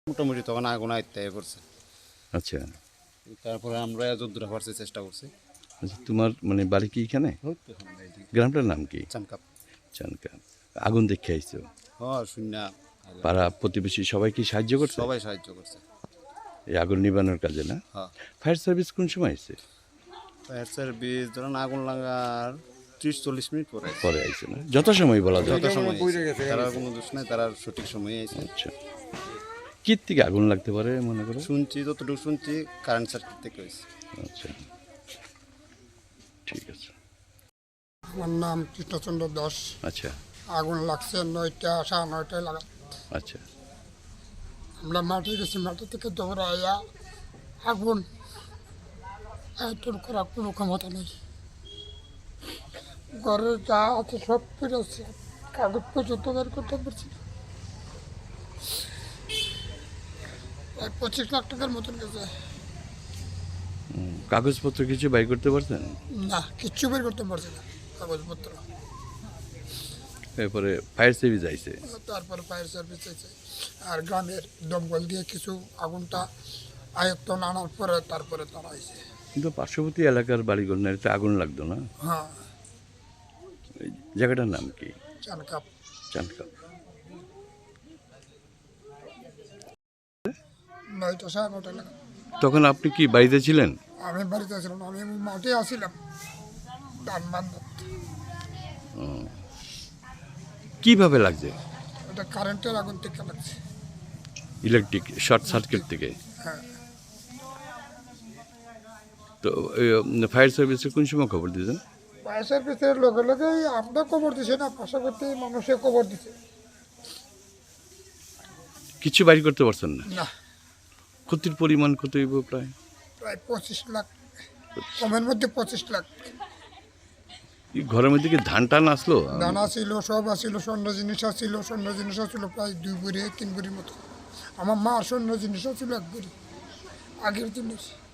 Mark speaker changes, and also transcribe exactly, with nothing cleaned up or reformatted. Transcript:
Speaker 1: মোটামুটি তখন আগুন আয়ত্তে করছে।
Speaker 2: আচ্ছা
Speaker 1: তারপরে আমরা যদ্দূর পারছি চেষ্টা করছি।
Speaker 2: আচ্ছা তোমার মানে বাড়ি কি এখানে? গ্রামটার নাম কি?
Speaker 1: চানকাপ।
Speaker 2: চানকা। আগুন দেখে আইছো?
Speaker 1: হ্যাঁ শূন্য।
Speaker 2: পাড়া প্রতিবেশী সবাই কি সাহায্য করছে
Speaker 1: সবাই সাহায্য করছে
Speaker 2: এই আগুন নিবানোর কাজে? না,
Speaker 1: হ্যাঁ।
Speaker 2: ফায়ার সার্ভিস কোন সময় এসে?
Speaker 1: ফায়ার সার্ভিস ধরেন আগুন লাগার ত্রিশ চল্লিশ মিনিট পরে
Speaker 2: পরে আইছে না, যত সময় বলা যায়।
Speaker 1: যত সময় আইছে। তারা কোনো দোষ নাই, তারা সঠিক সময়ে আইছে।
Speaker 2: আচ্ছা কি থেকে আগুন লাগতে পারে মনে করো?
Speaker 1: শুনছি যতটুকু শুনছি কারেন্ট সার্কিট থেকে হয়েছে।
Speaker 2: আচ্ছা ঠিক আছে।
Speaker 3: আমার নাম কৃষ্ণচন্দ্র দাস।
Speaker 2: আচ্ছা
Speaker 3: আগুন লাগছে নয়টা সাড়ে নয়টায় লাগা।
Speaker 2: আচ্ছা
Speaker 3: আমরা মাঠে গেছি, মাঠে থেকে দৌড়াইয়া আগুন আয়তন করার কোনো ক্ষমতা নেই। ঘরে যা আছে সব ফিরেছে, কাগজ পর্যন্ত বের করতে পারছি না। প্রায় পঁচিশ লাখ টাকার মতন গেছে।
Speaker 2: হুম, কাগজপত্র কিছু বাই করতে পারছেন?
Speaker 3: না, কিচ্ছু বের করতে পারছি না কাগজপত্র।
Speaker 2: এরপরে ফায়ার সার্ভিস আইছে?
Speaker 3: তারপর ফায়ার সার্ভিস আছে আর গ্রামের দমকল দিয়ে কিছু আগুনটা আয়ত্তন আনার পরে তারপরে তারা আইছে।
Speaker 2: কিন্তু পার্শ্ববর্তী এলাকার বাড়িঘর না, এটা আগুন লাগতো না?
Speaker 3: হ্যাঁ।
Speaker 2: এই জায়গাটার নাম কি?
Speaker 3: চানকাপ।
Speaker 2: চানকাপ।
Speaker 3: নয়টা সাড়ে নটা লাগা।
Speaker 2: তখন আপনি কি বাড়িতে ছিলেন?
Speaker 3: আমি বাড়িতে আসলাম না, আমি মাঠে আসছিলাম ধান বান্ধব।
Speaker 2: কিভাবে লাগছে?
Speaker 3: এটা কারেন্টের আগুন থেকে লাগছে।
Speaker 2: ইলেকট্রিক শর্ট সার্কিট থেকে?
Speaker 3: হ্যাঁ।
Speaker 2: তো ফায়ার সার্ভিসে কোন সময় খবর দিয়েছেন?
Speaker 3: ফায়ার সার্ভিসের লগে লগে আমরা খবর দিছি না, পাশাপাশি মানুষে খবর দিছে।
Speaker 2: কিছু বাড়ি করতে পারছেন না?
Speaker 3: না।
Speaker 2: ক্ষতির পরিমাণ কত হইব? প্রায়
Speaker 3: প্রায় পঁচিশ লাখ, কমের মধ্যে পঁচিশ লাখ।
Speaker 2: এই ঘরের মধ্যে কি ধান টান আসলো?
Speaker 3: দানা ছিল, সব আসছিল, স্বর্ণ জিনিস আসছিল, স্বর্ণ জিনিস আসছিল প্রায় দুই বুড়ি তিন বুড়ির মতো। আমার মা স্বর্ণ জিনিস ছিল এক বুড়ি আগের জিনিস।